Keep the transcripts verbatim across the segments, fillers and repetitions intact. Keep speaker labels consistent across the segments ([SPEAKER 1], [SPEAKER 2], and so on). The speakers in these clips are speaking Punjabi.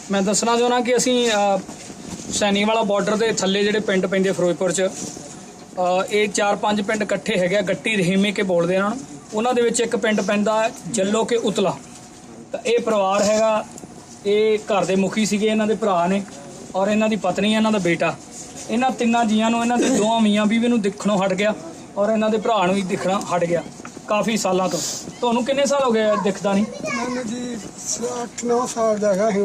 [SPEAKER 1] मैं दसना चाहना कि असी सैनी वाला बॉर्डर के थले जिहड़े पिंड पैंदे फिरोजपुर च ये चार पांच पिंड इकट्ठे है गट्टी रहीमे के बोलते हैं उन्होंने विच एक पिंड पैंदा जल्लो के उतला। तो ये परिवार हैगा ये घर के मुखी सीगे इन्हां दे भरा ने और इन्हां दी पत्नी इन्हां दा बेटा। इन्हां तिन्नां जीआं नूं इन्हां दे दोवां मियां बीवी नूं दिखणों हट गया और इन्हां दे भरा नूं भी दिखना हट गया काफ़ी सालों तो। तुहानूं किन्ने साल हो गए दिखदा नहीं?
[SPEAKER 2] मैंने जी अठ नौ साल का है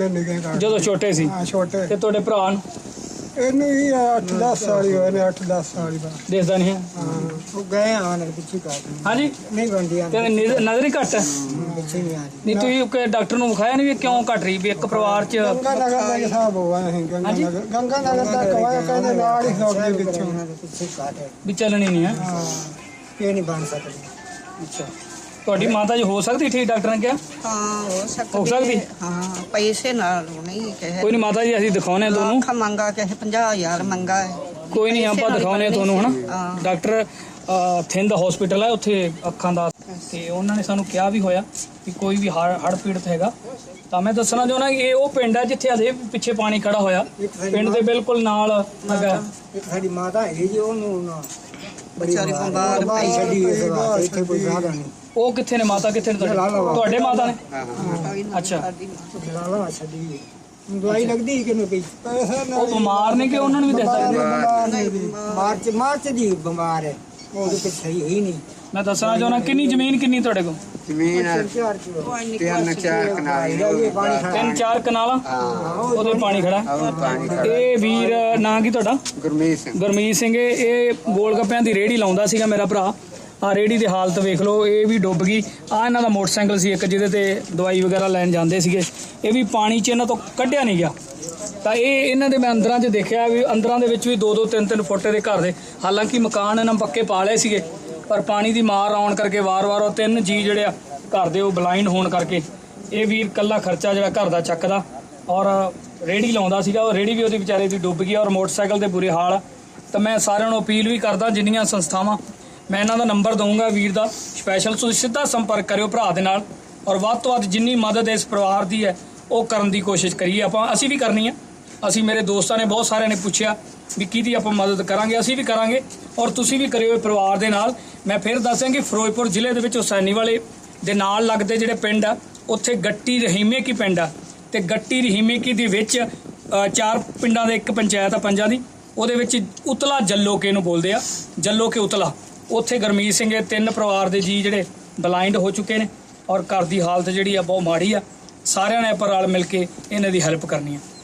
[SPEAKER 1] जो छोटे सी
[SPEAKER 2] छोटे
[SPEAKER 1] ते तुहाडे भरा नूं
[SPEAKER 2] ਇਹਨੂੰ ਹੀ ਅੱਠ ਦਸ ਸਾਲ ਹੀ ਹੋਏ ਨੇ ਅੱਠ ਦਸ ਸਾਲ ਹੀ ਬਾਅਦ
[SPEAKER 1] दिखदा नहीं है?
[SPEAKER 2] ਹਾਂ ਉਹ ਗਏ ਆਣ ਪਿੱਛੇ ਕਾਟ
[SPEAKER 1] हाँ जी
[SPEAKER 2] ਨਹੀਂ ਬੰਦੀਆਂ
[SPEAKER 1] ਤੇ ਨਜ਼ਰ ਨਜ਼ਰ ਹੀ ਘੱਟ ਹੈ
[SPEAKER 2] ਪਿੱਛੇ ਨਹੀਂ ਆ ਰਹੀ
[SPEAKER 1] ਨਹੀਂ ਤੁਸੀਂ ਕੋਈ ਡਾਕਟਰ ਨੂੰ ਵਿਖਾਇਆ ਨਹੀਂ ਵੀ ਕਿਉਂ ਘਟ ਰਹੀ ਵੀ ਇੱਕ ਪਰਿਵਾਰ ਚ
[SPEAKER 2] ਗੰਗਾ ਨਗਰ ਦਾ ਹਿਸਾਬ ਹੋਇਆ ਹੈ ਗੰਗਾ ਨਗਰ ਗੰਗਾ ਨਗਰ ਦਾ ਕਵਾਇਆ ਕਹਿੰਦੇ ਨਾਲ ਹੀ ਸੌ ਦੇ ਪਿੱਛੇ ਪਿੱਛੇ ਕਾਟ ਹੈ
[SPEAKER 1] ਵੀ ਚੱਲਣੀ ਨਹੀਂ ਹੈ।
[SPEAKER 2] ਹਾਂ ਇਹ ਨਹੀਂ ਬਣ ਸਕਦੀ।
[SPEAKER 1] ਅੱਛਾ ਤੁਹਾਡੀ ਮਾਤਾ ਜੀ ਹੋ ਸਕਦੀ ਠੀਕ ਡਾਕਟਰ ਨੇ ਕਿਹਾ?
[SPEAKER 3] हाँ हो सकती
[SPEAKER 1] हो सकती?
[SPEAKER 3] हाँ पैसे नाल नहीं कहे
[SPEAKER 1] ਕੋਈ ਨਹੀਂ ਮਾਤਾ ਜੀ ਅਸੀਂ ਦਿਖਾਉਨੇ ਤੁਹਾਨੂੰ
[SPEAKER 3] ਲੱਖ ਮੰਗਾ ਕਹੇ ਪੰਜਾਹ ਹਜ਼ਾਰ ਮੰਗਾ ਹੈ
[SPEAKER 1] ਕੋਈ ਨਹੀਂ
[SPEAKER 3] ਪੈਸੇ
[SPEAKER 1] ਆਪਾਂ
[SPEAKER 3] ਨਾਲ
[SPEAKER 1] ਦਿਖਾਉਨੇ
[SPEAKER 3] ਬਣਨੀ
[SPEAKER 1] ਤੁਹਾਨੂੰ ਹਨਾ
[SPEAKER 3] ਸੀ। ਹਾਂ।
[SPEAKER 1] ਡਾਕਟਰ ਅ, ਥਿੰਦ ਹਸਪੀਟਲ ਹੈ ਉੱਥੇ ਅੱਖਾਂ ਦਾ ਤੇ ਉਹਨਾਂ ਨੇ ਸਾਨੂੰ ਕਿਹਾ ਵੀ ਹੋਇਆ ਕਿ ਕੋਈ ਵੀ ਹੜ ਹੜ ਪੀੜਤ ਹੈਗਾ ਤਾਂ ਮੈਂ ਦੱਸਣਾ ਚਾਹੁੰਦਾ ਕਿ ਇਹ ਉਹ ਪਿੰਡ ਹੈ ਜਿੱਥੇ ਅਜੇ ਪਿੱਛੇ ਪਾਣੀ ਖੜਾ ਹੋਇਆ ਪਿੰਡ ਦੇ ਬਿਲਕੁਲ ਨਾਲ ਹੈਗਾ।
[SPEAKER 2] ਇੱਕ ਸਾਡੀ ਮਾਤਾ ਹੈ ਜੀ ਉਹਨੂੰ ਨਾ
[SPEAKER 3] ਵਿਚਾਰੀ ਬਿਮਾਰ
[SPEAKER 2] ਬਾਹਰ ਛੱਡੀ ਇਸ ਵਾਰ ਇੱਥੇ ਕੋਈ ਸਾਧਨ ਨਹੀਂ
[SPEAKER 1] ਉਹ ਕਿੱਥੇ ਨੇ ਮਾਤਾ ਕਿੱਥੇ ਨੇ ਤੁਹਾਡੇ ਤੁਹਾਡੇ ਮਾਤਾ ਨੇ? ਅੱਛਾ
[SPEAKER 2] ਲਾਲਾ ਛੱਡੀ ਦਵਾਈ ਲੱਗਦੀ ਕਿ ਨਹੀਂ ਪਈ ਪੈਸਾ
[SPEAKER 1] ਉਹ ਬਿਮਾਰ ਨੇ ਕਿ ਉਹਨਾਂ ਨੂੰ ਵੀ ਦੱਸਦਾ?
[SPEAKER 2] ਮਾਰਚ ਮਾਰਚ ਦੀ ਬਿਮਾਰ ਹੈ ਉਹ ਤੇ ਸਹੀ ਹੋਈ ਨਹੀਂ।
[SPEAKER 1] ਮੈਂ ਦੱਸਣਾ ਚਾਹੁੰਦਾ ਕਿੰਨੀ ਜ਼ਮੀਨ ਕਿੰਨੀ ਤੁਹਾਡੇ ਕੋਲ?
[SPEAKER 4] ਜ਼ਮੀਨ
[SPEAKER 2] ਚਾਰ ਕਿਲੋ
[SPEAKER 4] ਤਿੰਨ ਚਾਰ ਕਨਾਲ
[SPEAKER 1] ਤਿੰਨ ਚਾਰ ਕਨਾਲਾਂ ਉਹਦੇ ਪਾਣੀ ਖੜਾ
[SPEAKER 4] ਉਹ ਪਾਣੀ ਖੜਾ।
[SPEAKER 1] ਇਹ ਵੀਰ ਨਾਂ ਕੀ ਤੁਹਾਡਾ?
[SPEAKER 4] ਗੁਰਮੀਤ ਸਿੰਘ
[SPEAKER 1] ਗੁਰਮੀਤ ਸਿੰਘ ਇਹ ਇਹ ਗੋਲ ਗੱਪਿਆਂ ਦੀ ਰੇਹੜੀ ਲਾਉਂਦਾ ਸੀਗਾ ਮੇਰਾ ਭਰਾ। ਆ ਰੇਹੜੀ ਦੀ ਹਾਲਤ ਵੇਖ ਲਓ ਇਹ ਵੀ ਡੁੱਬ ਗਈ। ਆ ਇਹਨਾਂ ਦਾ ਮੋਟਰਸਾਈਕਲ ਸੀ ਇੱਕ ਜਿਹਦੇ ਤੇ ਦਵਾਈ ਵਗੈਰਾ ਲੈਣ ਜਾਂਦੇ ਸੀਗੇ ਇਹ ਵੀ ਪਾਣੀ 'ਚ ਇਹਨਾਂ ਤੋਂ ਕੱਢਿਆ ਨਹੀਂ ਗਿਆ। ਤਾਂ ਇਹ ਇਹਨਾਂ ਦੇ ਮੈਂ ਅੰਦਰਾਂ 'ਚ ਦੇਖਿਆ ਵੀ ਅੰਦਰਾਂ ਦੇ ਵਿੱਚ ਵੀ ਦੋ ਦੋ ਤਿੰਨ ਤਿੰਨ ਫੁੱਟ ਦੇ ਘਰ ਦੇ ਹਾਲਾਂਕਿ ਮਕਾਨ ਇਹਨਾਂ ਪੱਕੇ ਪਾ ਲਏ ਸੀਗੇ ਪਰ ਪਾਣੀ ਦੀ ਮਾਰ ਆਉਣ ਕਰਕੇ ਵਾਰ-ਵਾਰ ਉਹ ਤਿੰਨ ਜੀ ਜਿਹੜੇ ਆ ਘਰ ਦੇ ਉਹ ਬਲਾਈਂਡ ਹੋਣ ਕਰਕੇ ਇਹ ਵੀਰ ਇਕੱਲਾ ਖਰਚਾ ਜਿਹੜਾ ਘਰ ਦਾ ਚੱਕਦਾ ਔਰ ਰੇਹੜੀ ਲਾਉਂਦਾ ਸੀਗਾ ਉਹ ਰੇਹੜੀ ਵੀ ਉਹਦੀ ਵਿਚਾਰੇ ਦੀ ਡੁੱਬ ਗਈ ਔਰ ਮੋਟਰਸਾਈਕਲ ਦੇ ਬੁਰੇ ਹਾਲ। ਤਾਂ ਮੈਂ ਸਾਰਿਆਂ ਨੂੰ ਅਪੀਲ ਵੀ ਕਰਦਾ ਜਿੰਨੀਆਂ ਸੰਸਥਾਵਾਂ ਮੈਂ ਇਹਨਾਂ ਦਾ ਨੰਬਰ ਦਊਂਗਾ ਵੀਰ ਦਾ ਸਪੈਸ਼ਲ ਤੁਸੀਂ ਸਿੱਧਾ ਸੰਪਰਕ ਕਰਿਓ ਭਰਾ ਦੇ ਨਾਲ ਔਰ ਵੱਧ ਤੋਂ ਵੱਧ ਜਿੰਨੀ ਮਦਦ ਇਸ ਪਰਿਵਾਰ ਦੀ ਹੈ ਉਹ ਕਰਨ ਦੀ ਕੋਸ਼ਿਸ਼ ਕਰੀਏ। ਆਪਾਂ ਅਸੀਂ ਵੀ ਕਰਨੀ ਹੈ। ਅਸੀਂ ਮੇਰੇ ਦੋਸਤਾਂ ਨੇ ਬਹੁਤ ਸਾਰਿਆਂ ਨੇ ਪੁੱਛਿਆ ਵੀ ਕਿਹਦੀ ਆਪਾਂ ਮਦਦ ਕਰਾਂਗੇ ਅਸੀਂ ਵੀ ਕਰਾਂਗੇ ਔਰ ਤੁਸੀਂ ਵੀ ਕਰਿਓ ਪਰਿਵਾਰ ਦੇ ਨਾਲ। ਮੈਂ ਫਿਰ ਦੱਸਾਂ ਕਿ ਫਿਰੋਜ਼ਪੁਰ ਜ਼ਿਲ੍ਹੇ ਦੇ ਵਿੱਚ ਹੁਸੈਨੀ ਵਾਲੇ ਦੇ ਨਾਲ ਲੱਗਦੇ ਜਿਹੜੇ ਪਿੰਡ ਆ ਉੱਥੇ ਗੱਟੀ ਰਹੀਮੇ ਕੀ ਪਿੰਡ ਆ ਤੇ ਗੱਟੀ ਰਹੀਮੇ ਕੀ ਦੇ ਵਿੱਚ ਚਾਰ ਪਿੰਡਾਂ ਦੇ ਇੱਕ ਪੰਚਾਇਤ ਆ ਪੰਜਾਂ ਦੀ ਉਹਦੇ ਵਿੱਚ ਉਤਲਾ ਜੱਲੋ ਕੇ ਨੂੰ ਬੋਲਦੇ ਆ ਜੱਲੋ ਕੇ ਉਤਲਾ ਉੱਥੇ ਗੁਰਮੀਤ ਸਿੰਘ ਤਿੰਨ ਪਰਿਵਾਰ ਦੇ ਜੀ ਜਿਹੜੇ ਬਲਾਈਂਡ ਹੋ ਚੁੱਕੇ ਨੇ ਔਰ ਘਰ ਦੀ ਹਾਲਤ ਜਿਹੜੀ ਆ ਬਹੁਤ ਮਾੜੀ ਆ। ਸਾਰਿਆਂ ਨੇ ਆਪਾਂ ਰਲ ਮਿਲ ਕੇ ਇਹਨਾਂ ਦੀ ਹੈਲਪ ਕਰਨੀ ਆ।